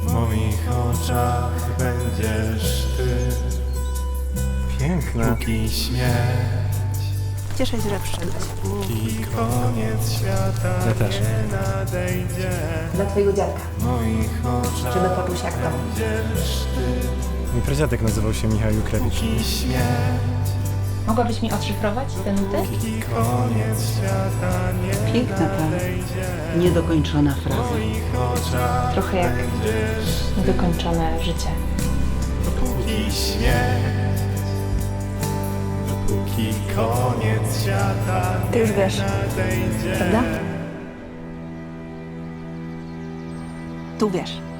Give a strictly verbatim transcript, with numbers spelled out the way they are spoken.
W moich oczach będziesz ty. Piękne. Póki śmierć, Cieszę się, że przyszedłeś. póki koniec świata Ja też. nie nadejdzie. Dla twojego dziadka. W moich oczach Żeby poczuł się jak w domu. będziesz ty. Mój pradziadek nazywał się Michał Jukrewicz. Póki śmierć, Mogłabyś mi odszyfrować te nuty? póki koniec świata nie Piękna ta nadejdzie. niedokończona fraza. W moich oczach Trochę jak będziesz niedokończone życie. dopóki śmierć, dopóki koniec świata Ty już wiesz, nadejdzie. prawda? Tu wiesz.